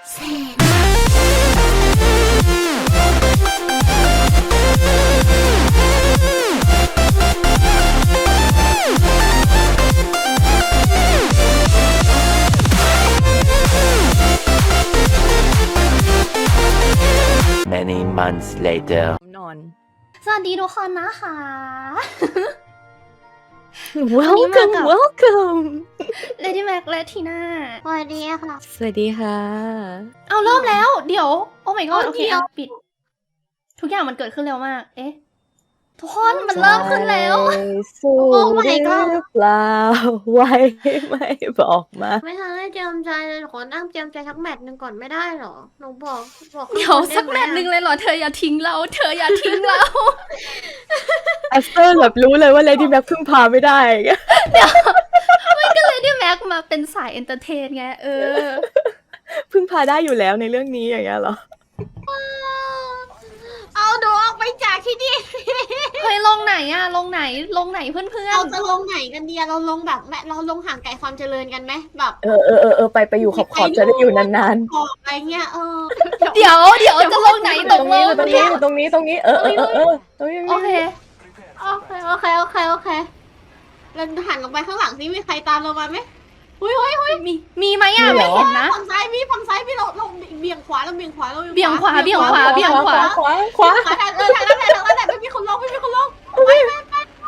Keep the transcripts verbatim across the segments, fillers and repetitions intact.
เซ Many months later นอนสวัสดีทุกคนนะคะ welcome กับ welcome Lady Mac และทีน่าสวัสดีค่ะสวัสดีค่ะเอาเริ่มแล้ว เดี๋ยว โอ้ my god เอาโอเคเดี๋ยวอ่ะปิด ทุกอย่างมันเกิดขึ้นเร็วมาก เอ๊ะ ทุกคนมันเริ่มขึ้นแล้วสู้โอ้ my god หรือเปล่าไว้ไม่บอกมาไม่ทันได้เตรียมใจเลยขอนั่งเตรียมใจสักแมตช์หนึ่งก่อนไม่ได้หรอ หนูบอกบอกเดี๋ยวสักแมตช์หนึ่งเลยเหรอ เธออย่าทิ้งเรา เธออย่าทิ้งเราแอสเตอร์แบบรู้เลยว่าเลดี้แบ็คพึ่งพาไม่ได้ก็เลยได้แม็กมาเป็นสายเอนเตอร์เทนไง เออพึ่งพาได้อยู่แล้วในเรื่องนี้อย่างเงี้ยเหรอเอาหนูออกไปจากที่นี่เฮ้ยลงไหนอะลงไหน ลงไหนเพื่อนเราจะลงไหนกันดีอะเราลงแบบแม่เราลงห่างไกลความเจริญกันไหมแบบเออเออเออเออไปไปอยู่ขอบขอบจะได้อยู่นานขอบอะไรเงี้ยเออๆ เดี๋ยว เดี๋ยวจะลงไหนๆตตกรงลนี้งตรงนี้ตรงนี้ตรงนี้เออเออเออเออตรงนี้โอเคโอเคโอเคโอเคโอเคเราหันลงไปข้างหลังสิมีใครตามเรามาไหมหุ้ยหุ้ยหุ้ยมี มีไหมอะไม่เห็นนะฝั่งซ้ายมีฝั่งซ้ายมีเราเราเบี่ยงขวาเราเบี่ยงขวาเราเบี่ยงขวาเบี่ยงขวาเบี่ยงขวาขวาขวาขวาทางเออทางนั้นแหละทางนั้นแหละไม่มีคนลงไม่มีคนลงไปไปไป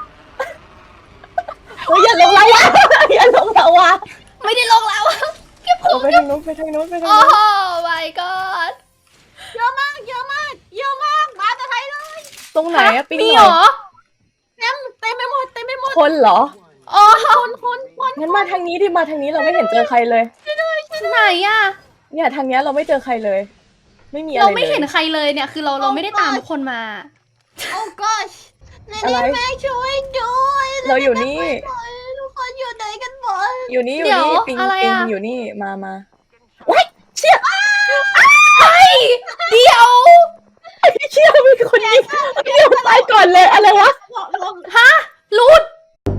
เฮ้ยอย่าลงแล้ววะอย่าลงแล้ววะไม่ได้ลงแล้วเอาไปทางนู้นไปทางนู้นไปทางโอ้นู้นโห my god เยอะมากเยอะมากเยอะมากมาแต่ไทยเลยตรงไหนอะปิ๊งมีหเหรน่ออเต็มเต็มไปหมดเต็มไปหมดคนเหรอโอ้โหคนคนคนงั้นมาทางนี้ดิมาทางนี้เราไม่เห็นเจอใครเลยไหนอะเนี่ยทางเนี้ยเราไม่เจอใครเลย ไม่มีอะไรเราเลยไม่เห็นใครเลยเนี่ย คือเราเราไม่ได้ตามทุกคนมาโอ้ gosh ในอะไรนี้แม่ช่วยด้วยเราอยู่นี่ทุกคนอยู่ไหนกันหมดอยู่นี่อยู่เดี๋ยวนี่ปิงอะไรปิงอะอยู่นี่มามาว้ายเชี่ยเฮ้ย เดี๋ยวเชี่ยมีคนยิงเดี๋ยวตายก่อนเลยอะไรวะลงลงฮะรูด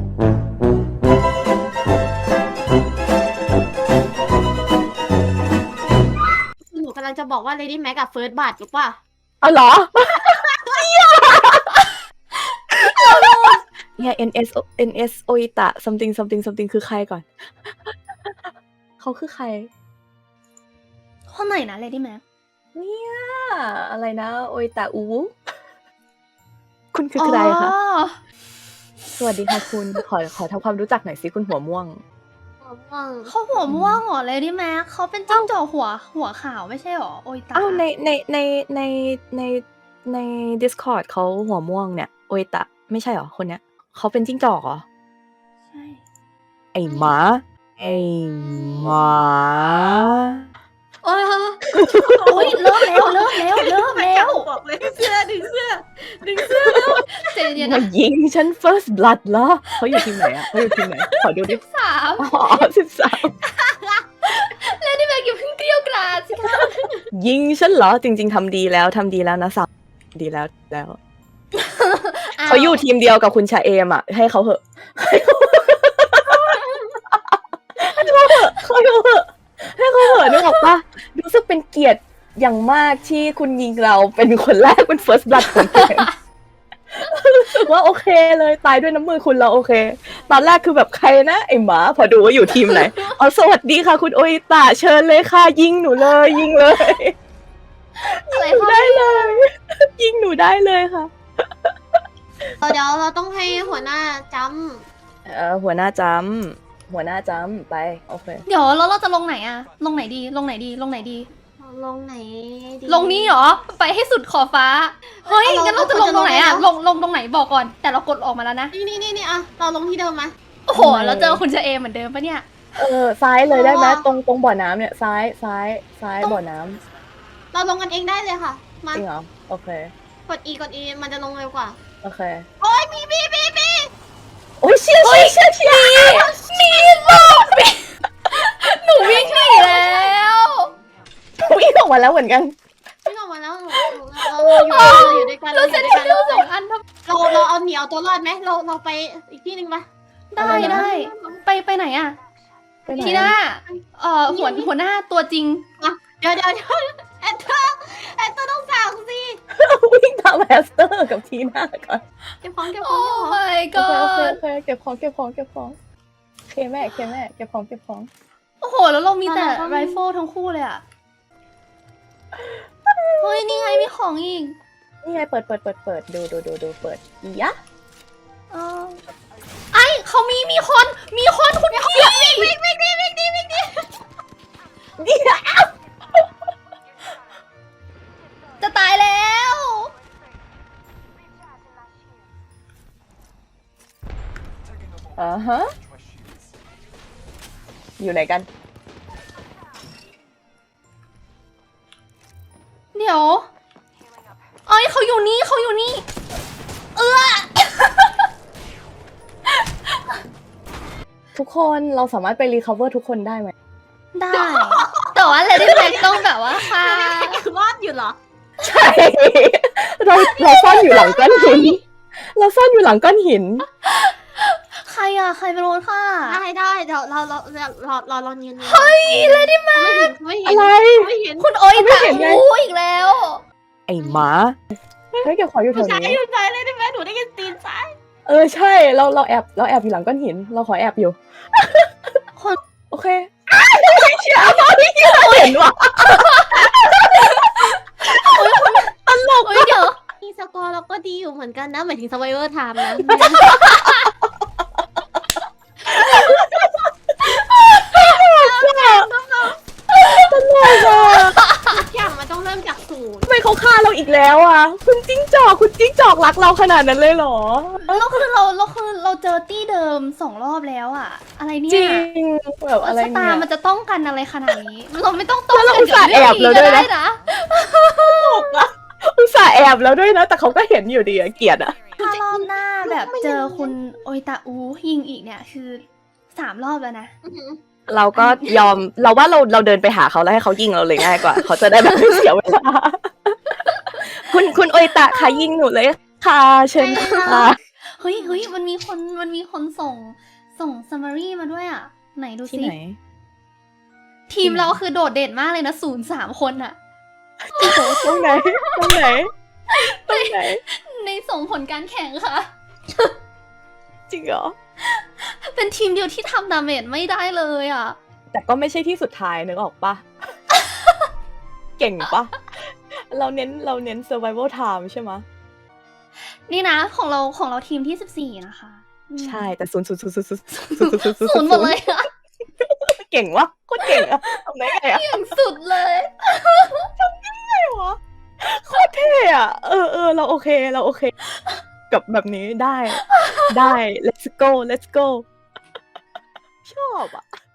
หนูกำลังจะบอกว่า Lady Mac กับ First Blood หรือเปล่าเอาเหรอเนี่ย เอ็น เอส เอ็น เอส โออิตะ something something something คือใครก่อน เขาคือใครคนไหนนะ Lady Mac เนี่ยอะไรนะโออิตะอูคุณคือใครคะอ๋อสวัสดีค่ะคุณ ขอขอทำความรู้จักหน่อยสิคุณหัวม่วงเขาหัวม่วงเหรอ Lady Mac เขาเป็นจิ้งจอกหัวหัวขาวไม่ใช่เหรอ โอยตาอ้าวในในในในในใน Discord เขาหัวม่วงเนี่ยโออิตะไม่ใช่เหรอคนเนี้ยเขาเป็นจิ้งจอกเหรอใช่ไอ้หมาไอ้หมาโอ้ยโอ้ยเริ่มแล้วเริ่มแล้วเริ่มแล้วบอกเลยเสื้อดึงเสื้อดึงเสื้อใจเย็นๆมานะยิงฉัน first blood เหรอเขาอยู่ทีมไหนอะเขาอยู่ทีมไหนขอดูดิสามอ๋อสิบสาม Lady Mac อย่าเพิ่งเกลี้ยวกราดสิคะยิงฉันเหรอจริง ๆทำดีแล้วทำดีแล้วนะสามดีแล้วแล้ว เขาอยู่ทีมเดียวกับคุณชาเอมอ่ะ ให้เขาเหอะให้เขาเหอะให้เขาเหอะให้เขาเหอะให้เขาเหอะนึกออกปะรู้สึกเป็นเกียรติอย่างมากที่คุณยิงเราเป็นคนแรกเป็น first blood ของเกมรู้สึกว่าโอเคเลยตายด้วยน้ำมือคุณเราโอเค ตอนแรกคือแบบใครนะไอหมาพอดูว่าอยู่ทีมไหนอ๋อสวัสดีค่ะคุณโออิตะเชิญเลยค่ะยิงหนูเลยยิงเลยอะไรหนูเขาได้เลย ยิงหนูได้เลยค่ะเดี๋ยวเราต้องให้หัวหน้าจเออหัวหน้าจำหัวหน้าจำไปโอเคเดี๋ยวแล้วเราจะลงไหนอะลงไหนดี ลงไหนดี ลงไหนดีำลงไหนดีลงนี้เหรอ ไปให้สุดขอบฟ้า เฮ้ยเอาเรางั้นเราจะลงตรงไหนอะเราจะลลงงลงตรงไหนบอกก่อน แต่เรากดออกมาแล้วนะนี่นี่นี่นี่อะเราลงที่เดิมมาโอ้โห เราเจอคุณเชเอมเหมือนเดิมปะเนี่ยเออซ้ายเลยได้ไหมอ๋อตรงตรงบ่อน้ำเนี่ยซ้ายซ้ายซ้ายบ่อน้เราลงกันเองได้เลยค่ะำมาจริงเหรอโอเคกด E กด E มันจะลงเร็วกว่าโอเคโอ้ยมีมีมีมีโอ้ยเชี่ยเชี่ยเชี่ยเชี่ยมีรอบมีหนูวิ่งหนีแล้ววิ่งออกมาแล้วเหมือนกันไม่ออกมาแล้วหนูหนูเราเราอยู่เราอยู่ด้วยกันเราเราอเซ็นยู่ด้วยทรักันลสองอันทำเราเราเอาเหนียวตัวรอดไหมเราเราไปอีกที่หนึ่งปะได้อะไรนะได้ ไปไปไหนอะไปไหนทีน่าเอ่อหัวหัวหน้าตัวจริงเดี๋ยวเดี๋ยวเดี๋ยวแอนเตอร์แอนเตอร์ต้องสั่งสิวิ่งตามแฮสเตอร์กับทีน่าก่อนเก็บของเก็บขโอ้องเก็บของ my โอเคโอเค god โอเคเก็บของเก็บของเก็บของโอเคแม่โอเคแม่เก็บของเก็บของโอ้โห แล้วเรามีแต่ไรเฟิลทั้งคู่เลยอะเฮ้ย นี่ไงมีของอีกนี่ไงเปิดเปิดเปิดเปิดดูดูดูดูเปิดอียะเออไอเขามีมีคน มีคนคุณพี่วิ่งวิ่งวิ่งดิวิ่งดิวิ่งดิเดี๋ยวจะตายแล้วอ่าฮะอยู่ไหนกันเดี๋ยวเอ้ยเขาอยู่นี่เขาอยู่นี่ เออทุกคนเราสามารถไปรีคาเวอร์ทุกคนได้ไหมได้ แต่ว่าเลดี้แม็กต้องแบบว่าค่ะรอดอยู่เหรอใช่ เราเราซ่อนอยู่หลังก้อนหิน เราซ่อนอยู่หลังก้อนหินใครอะใครเป็นคนค่ะได้ได้เดี๋ยวเราเราเราเราเราลองยืนเฮ้ยเลดี้แม็กไม่เห็นอะไรไม่เห็นคุณโอ้ยไม่ตาเห็นไงอู้อีกแล้วไอ้หมาเฮ้ยเก็บของอยู่แถผู้วชายนี้อยู่ไหนเลยได้ไหมหนูได้ยินตีนซ้ายเออใช่เราเราแอบเราแอบอยู่หลังก้อนหิน เราขอแอบอยู่คนโอเคไม่เชื่อไม่เชื่อเห็นว่ะตลกเฮ้ยเดี๋ยวมีสกอร์เราก็ดีอยู่เหมือนกันนะหมายถึง survivor time นะตลกอ่ะทุกอย่างมันต้องเริ่มจากศูนย์ทำไมเขาฆ่าเราอีกแล้วอ่ะ คุณจิ้งจอกคุณจิ้งจอกรักเราขนาดนั้นเลยเหรอแล้วคือเราเราคือเราเจอตี้เดิมสองรอบแล้วอะอะไรเนี่จริยงแบบอะไรชะตาเนี่ยมันจะต้องกันอะไรขนาดนี้ เราไม่ต้องต้องแล้วเรากันอุตส่าห์แอบเราด้วยนะก็ไนะอุตส่าห์แอบแล้วด้วยนะ แต่เขาก็เห็นอยู่ดีอะเกลียดอะถ้ารอบหน้าแบบเจอคุณโอยตาอูยิงอีกเนี่ยคือสามรอบแล้วนะอื้อหือเราก็ยอมเราว่าเราเราเดินไปหาเขาแล้วให้เขายิงเราเลยง่ายกว่า เขาจะได้แบบไม่เสียเวลา คุณคุณโอยตะค่ะยิงหนูเลยค่ะเชิญค่ะเฮ้ยเฮ้ยมันมีคนมันมีคนส่งส่งซัมมารีมาด้วยอะไหนดูที่สิไหนทีมเราคือโดดเด่นมากเลยนะศูนย์สามคนอะตรงไหนตรงไหนตรงไหนในส่งผลการแข่งค่ะจริงเหรอเป็นทีมเดียวที่ทำดาเมจไม่ได้เลยอะแต่ก็ไม่ใช่ที่สุดท้ายนึกออกปะ เก่งปะเราเน้นเราเน้น survival time ใช่ไหมะนี่นะของเราของเราทีมที่สิบสี่นะคะอืมใช่แต่ศูนย์ศูนย์ศูนย์ศูนย์ศูนย์ศูนย์ศูนย์ศูนย์ศูนย์หมดเลยอะเก่งวะโคตรเก่งอะทำได้ไงอะอย่างสุดเลยไงวะโคตรเท่อะเออเออเราโอเคเราโอเค กับแบบนี้ได้ ได้ let's go let's go ชอบอะ